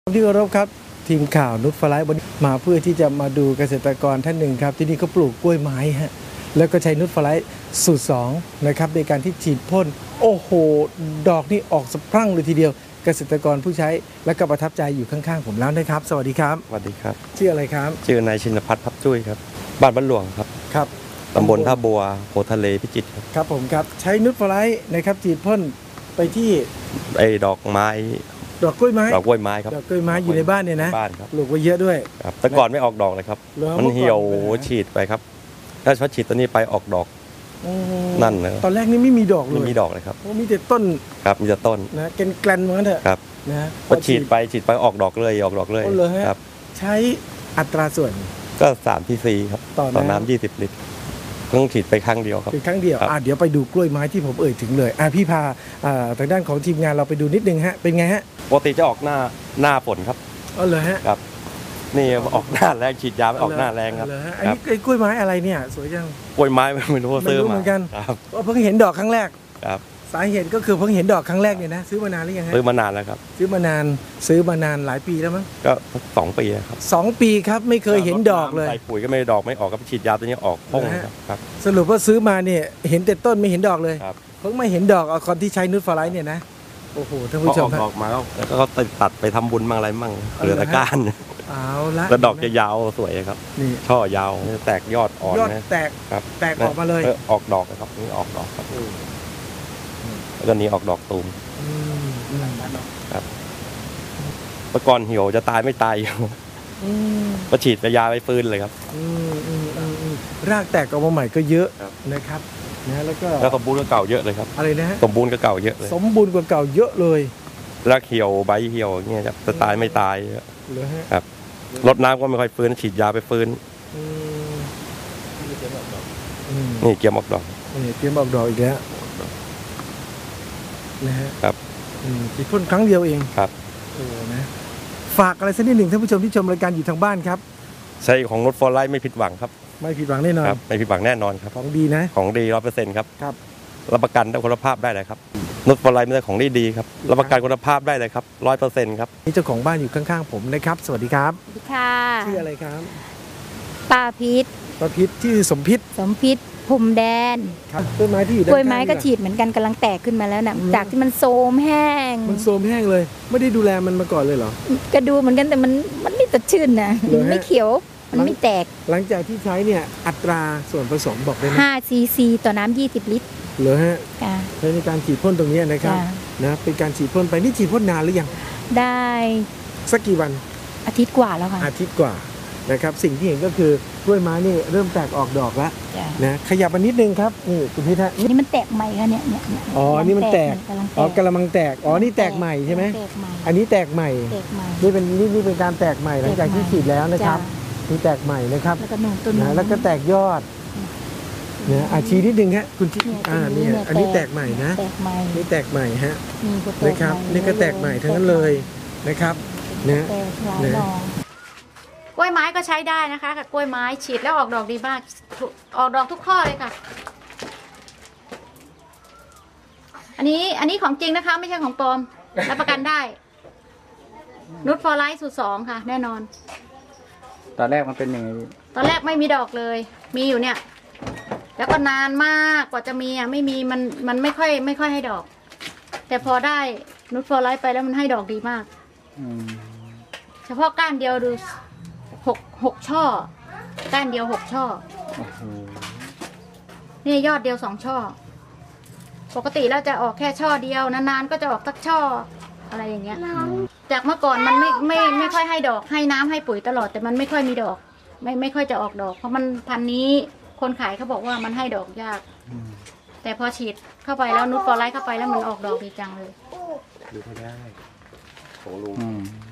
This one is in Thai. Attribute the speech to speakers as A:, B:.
A: ที่เคารพครับทีมข่าวนุชฟลายวันนี้มาเพื่อที่จะมาดูเกษตรกรท่านหนึ่งครับที่นี่เขาปลูกกล้วยไม้ฮะแล้วก็ใช้นุชฟลายสูตร2นะครับในการที่ฉีดพ่นโอ้โหดอกนี่ออกสะพรั่งเลยทีเดียวเกษตรกรผู้ใช้และก็ประทับใจอยู่ข้างๆผมแล้วนะครับสวัสดีครับ
B: สวัสดีครับ
A: ชื่ออะไรครับ
B: ชื่อนายชินพัฒน์พับจุ้ยครับบ้านบ้านหลวงครับ
A: ครับ
B: ตำบลท่าบัวโพทะเลพิจิตรครับ
A: ครับผมครับใช้นุชฟลายนะครับฉีดพ่นไปที่
B: ดอกไม้
A: ดอกกล้วยไม้
B: ดอกกล้วยไม้ครับ
A: ดอกกล้วยไม้อยู่ในบ้านเนี่ยนะ
B: บ้านครับ
A: ปลูกไว้เยอะด้วย
B: ครับแต่ก่อนไม่ออกดอกเลยครับมันเหี่ยวฉีดไปครับถ้าฉีดตัวนี้ไปออกดอกนั่นนะ
A: ตอนแรกนี่ไม่มีดอกเลย
B: ไม่มีดอกเลยครับ
A: มีแต่ต้น
B: ครับมีแต่ต้น
A: นะแกลนเหมือนกันเถอะ
B: ครับ
A: นะ
B: พอฉีดไปออกดอกเลย
A: ครับใช้อัตราส่วน
B: ก็3 cc ครับต่อน้ำ20 ลิตรต้องฉีดไปครั้งเดียวครับ
A: ครั้งเดียวเดี๋ยวไปดูกล้วยไม้ที่ผมเอ่ยถึงเลยพี่พาทางด้านของทีมงานเราไปดูนิดนึงฮะเป็นไงฮะ
B: ปกติจะออกหน้าฝนครับ
A: เลยฮะ
B: ครับนี่ออกหน้าแรงฉีดยาออกหน้าแรงครับ
A: อันนี้กล้วยไม้อะไรเนี่ยสวยจัง
B: กล้วยไม้ไม่รู้ซื้อมา
A: เหมือนกัน
B: ครับ
A: เพิ่งเห็นดอกครั้งแรก
B: ครับ
A: สาเหตุก็คือเพิ่งเห็นดอกครั้งแรกเนี่ยนะซื้อมานานหรือยังฮะ
B: ซื้อมานานแล้วครับ
A: ซื้อมานานหลายปีแล้วมั้ง
B: ก็2 ปีครับ
A: 2 ปีครับไม่เคยเห็นดอกเลย
B: ใส่ปุ๋ยก็ไม่ดอกไม่ออกก็ฉีดยาตัวนี้ออกพุ่งครับ
A: สรุปว่าซื้อมาเนี่ยเห็นแต่ต้นไม่เห็นดอกเลยเพิ่งมาเห็นดอกเอาคนที่ใช้นุชฟลายเนี่ยนะโอ้โหท่านผู้ชม
B: ออกมาแล้วก็ตัดไปทำบุญมั่งอะไรมั่งเหลือแต่ก้าน
A: เอาละ
B: แล้วดอกจะยาวสวยครับนี่ช่อยาวแตกยอดอ่อน
A: นะแตกออกมาเลย
B: ออกดอกครับนี่ออกดอกครับแล้วก็นี้ออกดอกตูมครับเมื่อก่อนเหี่ยวจะตายไม่ตายก็ฉีดยาไปฟื้นเลยครับ
A: รากแตกออกมาใหม่ก็เยอะนะครับนะ
B: แล้วสมบูรณ์กว่าเก่าเยอะเลยครับ
A: อะไรนะ
B: สมบูรณ์กว่าเก่าเยอะเลย
A: สมบูรณ์กว่าเก่าเยอะเลย
B: รากเหี่ยวใบเหี่ยวเงี้ยจะตายไม่ตายครับรดน้ำก็ไม่ค่อยฟื้นฉีดยาไปฟื้นนี่เกี่ยมออกดอก
A: นี่เกี่ยมออกดอกอีกแล้วนะฮะ
B: ครับ
A: ฉีดพ่นครั้งเดียวเอง
B: ครับ
A: นะฝากอะไรสักนิดหนึ่งท่านผู้ชมที่ชมรายการอยู่ทางบ้านครับ
B: ใช้ของนุชฟลายไม่ผิดหวังครับ
A: ไม่ผิดหวังแน่นอน
B: ไม่ผิดหวังแน่นอนครับ
A: ของดีนะ
B: ของดี100%ครับรับประกันคุณภาพได้เลยครับนุชฟลายไม่ใช่ของดีครับรับประกันคุณภาพได้เลยครับ100%ครับ
A: นี่เจ้าของบ้านอยู่ข้างๆผมนะครับสวัสดีครับ
C: สวัสดีค่ะ
A: ชื่ออะไรครับ
C: ป้าพิษ
A: ชื่อสมพิษ
C: ภูมิแดน
A: ครับต้นไม้ที่อยู่ด้าน
C: กล้วยไม้ก็ฉีดเหมือนกันกำลังแตกขึ้นมาแล้วนะจากที่มันโทรมแห้ง
A: เลยไม่ได้ดูแลมันมาก่อนเลยเหรอ
C: ก็ดูเหมือนกันแต่มันไม่สดชื่นนะไม่เขียวมันไม่แตก
A: หลังจากที่ใช้เนี่ยอัตราส่วนผสมบอกได้ไหม
C: 5 cc ต่อน้ำ20 ลิตร
A: เหรอฮะใช้ในการฉีดพ่นตรงนี้นะครับนะเป็นการฉีดพ่นไปนี่ฉีดพ่นนานหรือยัง
C: ได้
A: สักกี่วัน
C: อาทิตย์กว่าแล้วค่ะ
A: อาทิตย์กว่านะครับสิ่งที่เห็นก็คือกล้วยไม้นี่เริ่มแตกออกดอกแล้วนะขยับมานิดนึงครับนี่คุณพิธะ
C: นี่มันแตกใหม่ค่ะเนี่ย
A: นี่มันแตกกระมังแตกนี่แตกใหม่ใช่ไหมอันนี้แตกใหม่นี่เป็นการแตกใหม่หลังจากที่ฉีดแล้วนะครับนี่แตกใหม่นะครับแล้วก็แตกยอดเนี่ยชี้นิดนึงฮะคุณที่นี่อันนี้แตกใหม่นะนี่แตกใหม่ฮะนะครับนี่ก็แตกใหม่ทั้งนั้นเลยนะครับนะ
C: กล้วยไม้ก็ใช้ได้นะคะกับกล้วยไม้ฉีดแล้วออกดอกดีมากออกดอกทุกข้อเลยค่ะอันนี้ของจริงนะคะไม่ใช่ของปลอมรับประกันได้นุชฟลายสูตร2ค่ะแน่นอน
A: ตอนแรกมันเป็นยังไง
C: ตอนแรกไม่มีดอกเลยมีอยู่เนี่ยแล้วก็นานมากกว่าจะมีไม่มีมันไม่ค่อยให้ดอกแต่พอได้นุชฟลายไปแล้วมันให้ดอกดีมากเฉพาะก้านเดียวดู6 ช่อก้านเดียว6 ช่อนี่ยอดเดียว2 ช่อปกติแล้วจะออกแค่ช่อเดียวนานๆก็จะออกสักช่ออะไรอย่างเงี้ยจากเมื่อก่อนมันไม่ค่อยให้ดอกให้น้ำให้ปุ๋ยตลอดแต่มันไม่ค่อยมีดอกไม่ค่อยจะออกดอกเพราะมันพันนี้คนขายเขาบอกว่ามันให้ดอกยากแต่พอฉีดเข้าไปแล้วนุชฟลายเข้าไปแล้วมันออกดอกดีจังเลย
B: ดูเขาได้ของลุง